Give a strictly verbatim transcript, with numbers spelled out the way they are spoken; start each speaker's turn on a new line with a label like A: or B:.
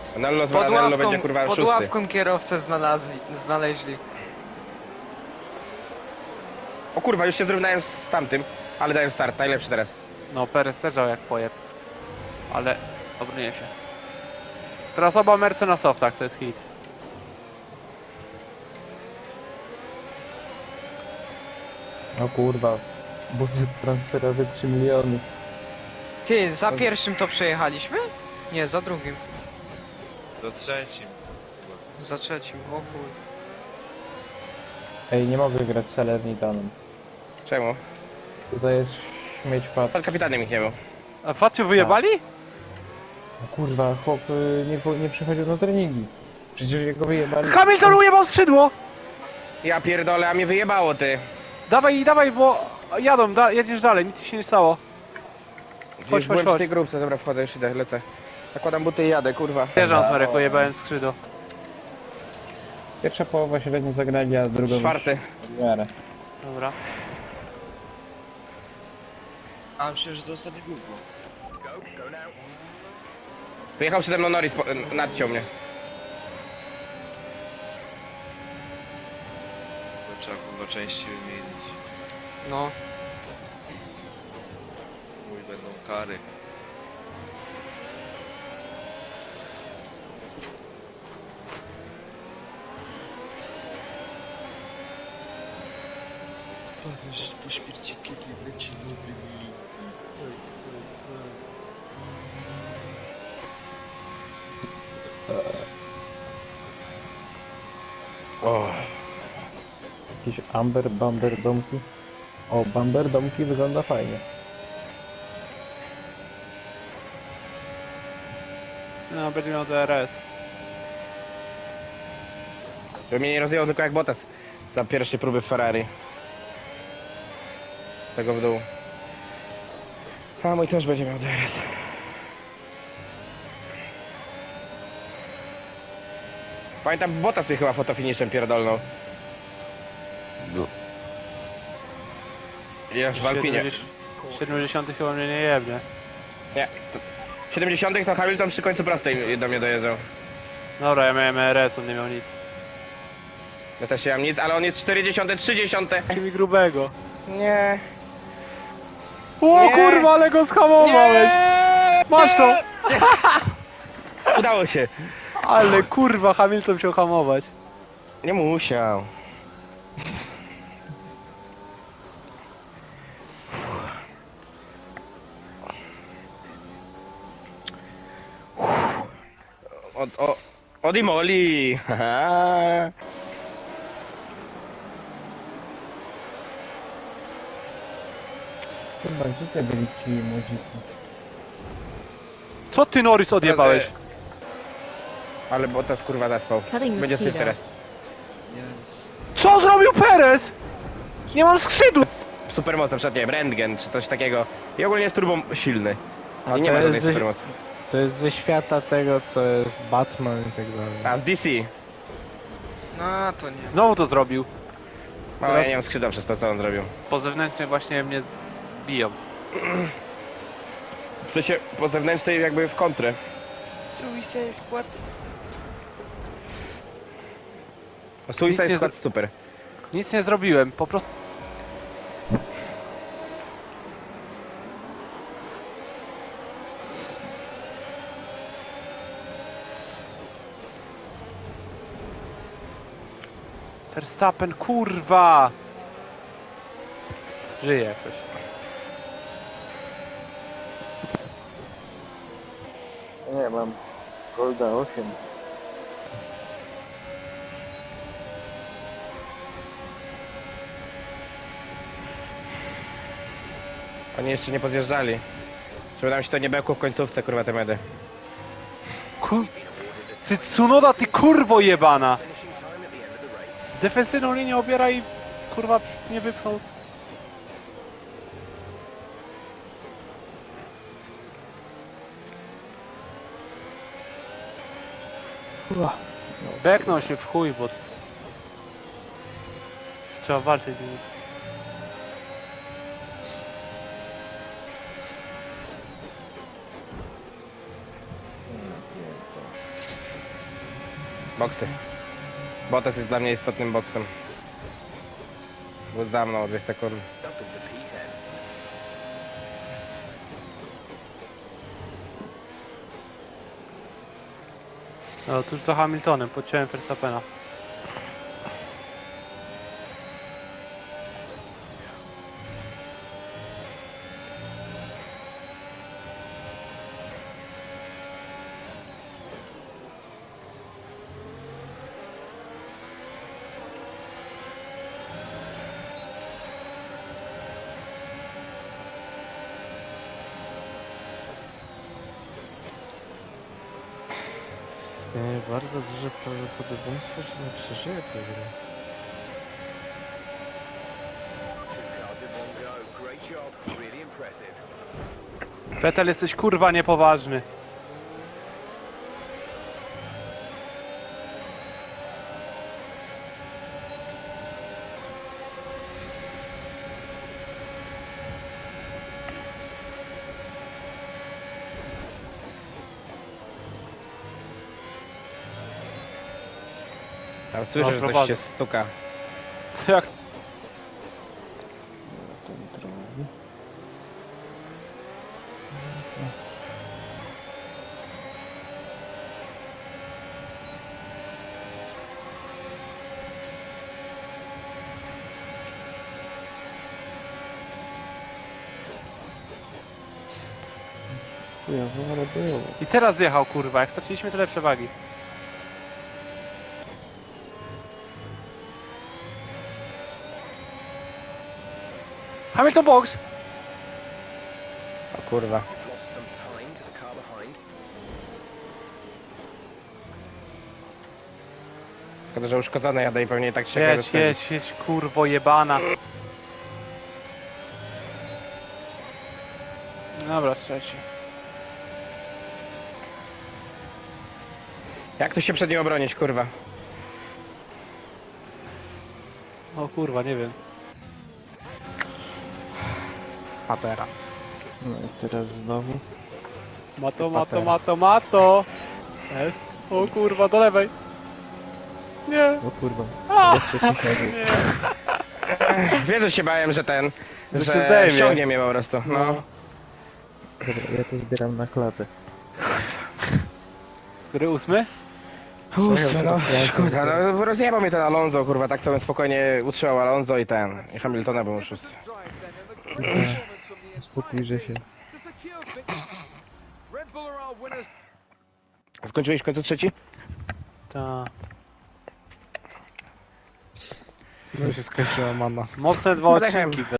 A: Nello z
B: Pod
A: Maranello
B: ławką,
A: będzie kurwa
B: pod
A: szósty.
B: ławką kierowcę znalazli, znaleźli.
A: O kurwa, już się zrównałem z tamtym, ale daję start, najlepszy teraz.
C: No, Perez też dał jak pojeb. Ale obronię się. Teraz oba Merce na softach, to jest hit.
D: O kurwa, budżet transferowy trzy miliony.
B: Ty, za pierwszym to przejechaliśmy? Nie, za drugim.
E: Do trzecim.
B: Za trzecim, o chuj.
D: Ej, nie mogę grać z Salernitanem.
A: Czemu?
D: Tutaj jest śmieć pad.
A: Pan kapitanem ich nie był.
C: A Facju wyjebali?
D: O kurwa, chłop y, nie, po- nie przychodził na treningi. Przecież jego wyjebali.
C: Hamilton ujebał skrzydło!
A: Ja pierdolę, a mnie wyjebało ty.
C: Dawaj, dawaj, bo jadą, da, jedziesz dalej, nic ci się nie stało.
A: Gdzieś
C: chodź,
A: byłem
C: chodź.
A: przy tej grupce, dobra, wchodzę, już idę, lecę. Nakładam buty i jadę, kurwa.
C: Wjeżdżam z Marek, ujebałem skrzydło.
D: Pierwsza połowa średnio zagrali, a druga
A: Czwarty.
D: w miarę.
C: Dobra.
E: A myślę, że to ostatnie gówno.
A: Wyjechał przede mną Norris, po, nadciął mnie.
E: To trzeba kurwa części wymienić.
B: No.
E: Mój będą kary. Ależ po śmierci kiedy leci nowy nim.
A: O,
D: Jakiś Amber, Bamber, Domki. O, Bamber, Domki wygląda fajnie.
C: No, będzie miał D R S.
A: żeby mnie nie rozjechał tylko jak Bottas za pierwsze próby w Ferrari. Tego w dół. A mój też będzie miał D R S. Pamiętam, Bottas mnie chyba fotofiniszem pierdolnął. Ja w Alpinie.
C: siedemdziesiąty chyba mnie nie jebnie.
A: Nie. To w siedemdziesiątych to Hamilton przy końcu prostej do mnie dojeżdżał.
C: Dobra, ja miałem R S, on nie miał nic.
A: Ja też nie mam nic, ale on jest czterdzieści, trzydzieści.
C: Daj mi grubego.
A: Nie.
C: O
A: Nie.
C: kurwa, ale go schamowałeś! Masz to!
A: Udało się.
C: Ale kurwa, Hamilton musiał hamować.
A: Nie musiał. Od, o, od Imoli. Haha.
D: Chyba, gdzie te byli ci młodziki?
C: Co ty, Norris, odjebałeś?
A: Ale Bottas kurwa zaspał.
F: Cutting the
A: Będzie
F: speed
A: syf teraz.
E: Yes.
C: Co zrobił Perez? Nie mam skrzydła!
A: Supermoc, na przykład nie wiem, Rentgen czy coś takiego. I ogólnie jest turbo silny.
G: A
A: I nie
G: to
A: ma
G: jest
A: żadnej
G: ze-
A: supermocy.
G: To jest ze świata tego, co jest Batman i tak dalej.
A: A z D C.
B: No, to nie.
C: Znowu to zrobił.
A: O, ja
C: Teraz-
A: nie mam skrzydła przez to, co on zrobił.
C: Po zewnętrznej właśnie mnie biją.
A: W sensie po zewnętrznej jakby w kontrę.
B: Suicide Squad.
A: Suicide
C: nie
A: Squad
C: zro-
A: super.
C: Nic nie zrobiłem, po prostu... Verstappen, kurwa! Żyje jak coś.
D: Nie, mam Golda osiem.
A: Oni jeszcze nie podjeżdżali. Żeby nam się to nie bekło w końcówce, kurwa, te medy.
C: Kur... Ty Tsunoda, ty kurwo jebana! Defensywną linię obiera i kurwa nie wypchnął. Beknął się w chuj, bo... Trzeba walczyć z nim.
A: Boksy. Bottas jest dla mnie istotnym boksem. Był za mną o dwie sekundy.
C: No, tuż za Hamiltonem, podciąłem Verstappena.
G: Istnieje bardzo duże prawdopodobieństwo, że nie przeżyję tej gry.
C: Vettel, jesteś kurwa niepoważny.
A: Tam słyszę,
C: No,
A: że coś
C: prowadzę.
A: się stuka.
C: Co jak...
D: Ten drogi. Chujowo, ale było.
C: I teraz zjechał kurwa, jak straciliśmy tyle przewagi. Hamilton box!
A: O kurwa. Szkoda, że uszkodzony jadę i pewnie i tak się
C: Jedź, jedź, jedź, kurwo jebana. Dobra, trzeci.
A: Jak tu się przed nim obronić, kurwa?
C: O kurwa, nie wiem.
G: Patera.
D: No i teraz znowu.
C: Mato, mato, mato, mato! Jest. O kurwa, do lewej. Nie.
D: O kurwa.
C: A,
D: Bezpiecznie siadł.
C: nie.
A: Wiesz, że się bałem, że ten...
C: Że
A: Że
C: się zdejmie.
A: ściągnie mnie po prostu. No.
D: Dobra, ja to zbieram na klatę.
C: Który ósmy?
A: Ósmy, no, szkoda, no rozjebał mnie ten Alonso, kurwa, tak to bym spokojnie utrzymał Alonso i ten, i Hamiltona bym uszedł.
D: Spokójże się.
A: Skończyłeś w końcu trzeci?
C: Ta.
G: No się skończyła mana.
C: Mocne dwa
A: Wydechem.
C: odcinki.